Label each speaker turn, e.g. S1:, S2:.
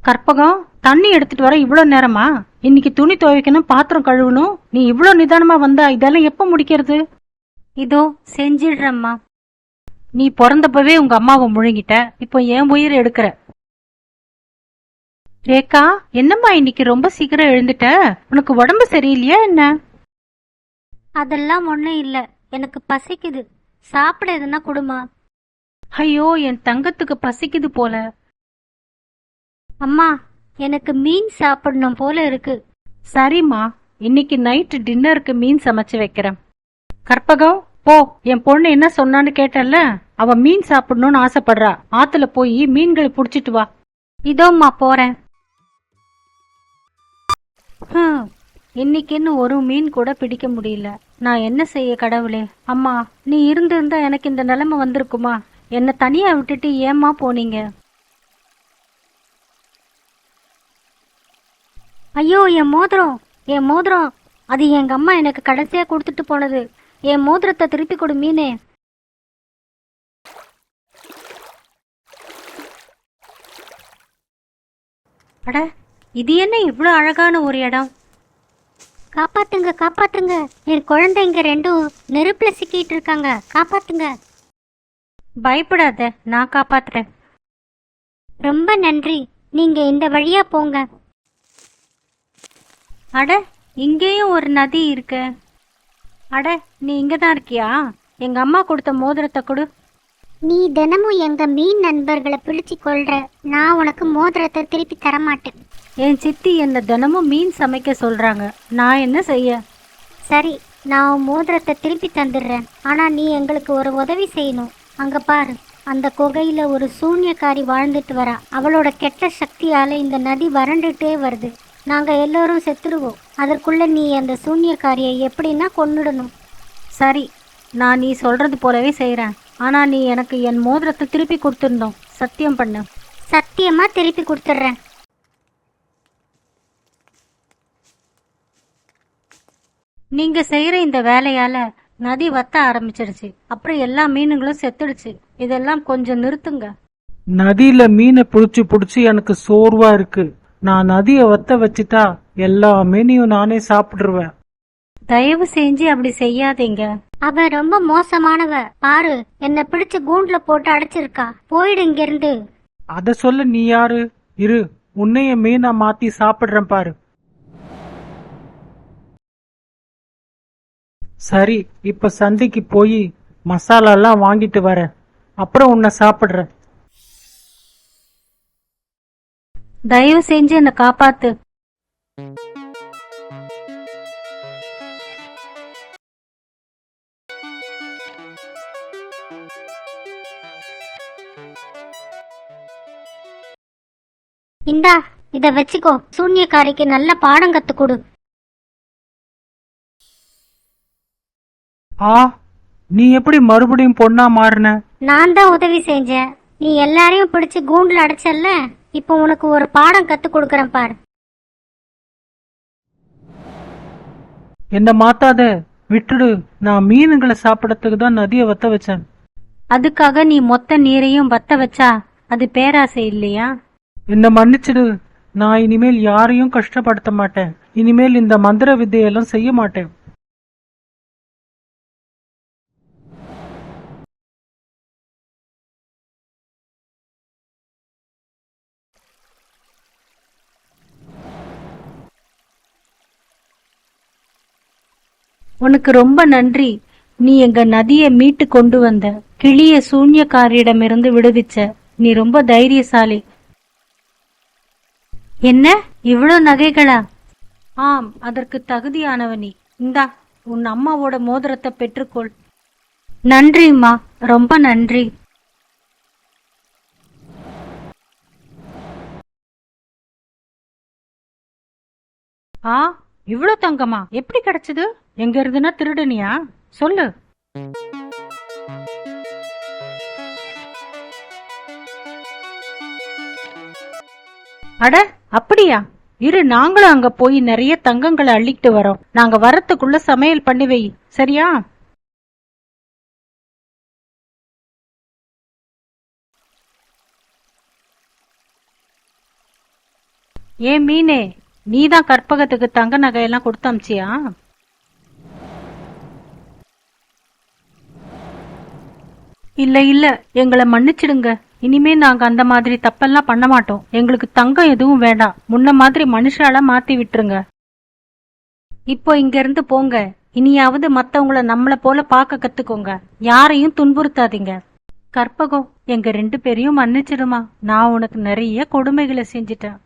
S1: கற்பகம், தண்ணி எடுத்துட்டு வர இவ்வளவு நேரமா? இன்னைக்கு துணி துவைக்கணும், பாத்திரம் கழுவணும். நீ இவ்வளவு நிதானமா வந்தா இதெல்லாம் எப்ப முடிக்கிறது?
S2: இதோ செஞ்சிடுறம்மா.
S1: நீ பிறந்தப்பவே உங்க அம்மாவை முழுங்கிட்ட, இப்போ என் உயிரை எடுக்கிற. ரேகா, என்னம்மா இன்னைக்கு ரொம்ப சீக்கிரம் எழுந்துட்ட? உனக்கு உடம்பு சரியில்லையா என்ன?
S2: அதெல்லாம் ஒண்ணும் இல்ல, எனக்கு பசிக்குது. சாப்பிட எதுனா கொடுமா.
S1: ஐயோ, என் தங்கத்துக்கு பசிக்குது போல.
S2: அம்மா, எனக்கு மீன் சாப்பிடணும் போல இருக்கு.
S1: சரிம்மா, இன்னைக்கு நைட்டு டின்னருக்கு மீன் சமைச்சு வைக்கிறேன். கற்பகம், போ. என் பொண்ணு என்ன சொன்னான்னு கேட்டல்ல, அவ மீன் சாப்பிடணும்னு ஆசைப்படுறா. ஆத்துல போய் மீன்களை புடிச்சிட்டு வா.
S2: இதோம்மா போறேன்.
S1: இன்னைக்குன்னு ஒரு மீன் கூட பிடிக்க முடியல. நான் என்ன செய்ய கடவுளே? அம்மா, நீ இருந்திருந்தா எனக்கு இந்த நிலைமை வந்திருக்குமா? என்ன தனியா விட்டுட்டு ஏம்மா போனீங்க?
S2: ஐயோ, என் மோதிரம், என் மோதிரம். அது எங்க அம்மா எனக்கு கடைசியா கொடுத்துட்டு போனது. என் மோதிரத்தை திருப்பி கொடு மீனே.
S1: அட, இது என்ன இவ்வளவு அழகான ஒரு இடம்?
S2: காப்பாத்துங்க, காப்பாத்துங்க. என் குழந்தைங்க ரெண்டும் நெருப்புல சிக்கிட்டு இருக்காங்க. காப்பாத்துங்க.
S1: பயப்படாத, நான் காப்பாத்துறேன்.
S2: ரொம்ப நன்றி. நீங்க இந்த வழியா போங்க.
S1: அட, இங்கேயும் ஒரு நதி இருக்கு. அட, நீ இங்கதான் இருக்கியா? எங்க அம்மா கொடுத்த மோதிரத்தை கொடு.
S2: நீ தினமும் எங்க மீன் நண்பர்களை பிடிச்சு கொள்ற. நான் உனக்கு மோதிரத்தை திருப்பி தரமாட்டேன்.
S1: என் சித்தி என்ன தினமும் மீன் சமைக்க சொல்றாங்க. நான் என்ன செய்ய?
S2: சரி, நான் உன் மோதிரத்தை திருப்பி தந்துடுறேன். ஆனா நீ எங்களுக்கு ஒரு உதவி செய்யணும். அங்க பாரு, அந்த குகையில ஒரு சூன்யக்காரி வாழ்ந்துட்டு வரா. அவளோட கெட்ட சக்தியால இந்த நதி வறண்டுட்டே வருது. நாங்க எல்லோரும் செத்துடுவோம். அதற்குள்ள நீ அந்த சூன்யக்காரியை எப்படின்னா கொன்னுடணும்.
S1: சரி, நான் நீ சொல்றது போலவே செய்யறேன். ஆனா நீ எனக்கு என் மோதிரத்தை திருப்பி கொடுத்துருந்தோம். சத்தியம் பண்ணு.
S2: சத்தியமா திருப்பி கொடுத்துட்றேன்.
S1: நீங்க செய்யற இந்த வேலையால நதி வத்த ஆரம்பிச்சிருச்சு. அப்புறம் எல்லா மீனுங்களும் செத்துடுச்சு. இதெல்லாம் கொஞ்சம் நிறுத்துங்க.
S3: நதியில மீனை புடிச்சு புடிச்சு எனக்கு சோர்வா இருக்கு. நான் நதிய வத்த வச்சுட்டா எல்லா மீனையும் நானே சாப்பிடுவேன்.
S1: தயவு செஞ்சு அப்படி செய்யாதீங்க.
S2: அவ ரொம்ப மோசமானவ. பாரு, என்ன பிடிச்சு கூண்டுல போட்டு அடைச்சிருக்கா. போயிடு இங்க இருந்து.
S3: அத சொல்ல நீ யாரு? இரு, உன்னைய மீனா மாத்தி சாப்பிடுறேன் பாரு. சரி, இப்ப சந்தைக்கு போய் மசாலா எல்லாம் வாங்கிட்டு வரேன். அப்புறம் உன்னை சாப்பிடுறேன்.
S1: தயவு செஞ்சு என்ன காப்பாத்து.
S2: இந்தா, இத வச்சுக்கோ. சூன்யக்காரிக்கு நல்ல பாடம் கத்து கொடு.
S3: ஆ, நீ எப்படி மறுபடியும் பொண்ணா மாறின?
S2: நான் தான் உதவி செஞ்சேன். நீ எல்லாரையும் பிடிச்சு கூண்டுல அடைச்சல்ல. இப்போ உனக்கு ஒரு பாடம் கத்து கொடுக்கறேன் பாரு.
S3: என்ன மாத்தாத, விட்டுடு. நான் மீனுங்களை சாப்பிடறதுக்கு தான் நதிய வத்த வச்சேன்.
S1: அதுக்காக நீ மொத்த நீரையும் வத்த வச்சா அது பேராசை இல்லையா?
S3: என்ன மன்னிச்சிடு. நான் இனிமேல் யாரையும் கஷ்டப்படுத்த மாட்டேன். இனிமேல் இந்த மந்திர வித்தையெல்லாம் செய்ய மாட்டேன்.
S1: உனக்கு ரொம்ப நன்றி. நீ எங்க நதியை மீட்டு கொண்டு வந்த. கிளிய சூன்யக்காரியிடமிருந்து விடுவிச்ச. நீ ரொம்ப தைரியசாலி. என்ன, இவ்வளவு நகைகளா? ஆம், அதற்கு தகுதியானவ நீ. இந்தா, உன் அம்மாவோட மோதிரத்தை பெற்றுக்கொள். நன்றிம்மா, ரொம்ப நன்றி. ஆ, இவ்வளவு தங்கமா எப்படி கிடைச்சது? எங்க இருந்துன்னா திருடனியா? சொல்லு. அட, அப்படியா? இரு, நாங்களும் அங்க போய் நிறைய தங்கங்களை அள்ளிட்டு வரோம். நாங்க வரத்துக்குள்ள சமையல் பண்ணி வை, சரியா? ஏன் மீனே, நீதான் கற்பகத்துக்கு தங்க நகையெல்லாம் கொடுத்து அமிச்சியா? இல்ல இல்ல, எங்களை மன்னிச்சிடுங்க. இனிமே நாங்க அந்த மாதிரி தப்பெல்லாம் பண்ண மாட்டோம். எங்களுக்கு தங்கம் எதுவும் வேண்டாம். முன்ன மாதிரி மனுஷால மாத்தி விட்டுருங்க. இப்போ இங்க இருந்து போங்க. இனியாவது மத்தவங்கள நம்மள போல பார்க்க கத்துக்கோங்க. யாரையும் துன்புறுத்தாதீங்க. கற்பகம், எங்க 2 பேரையும் மன்னிச்சிடுமா. நான் உனக்கு நிறைய கொடுமைகளை செஞ்சிட்டேன்.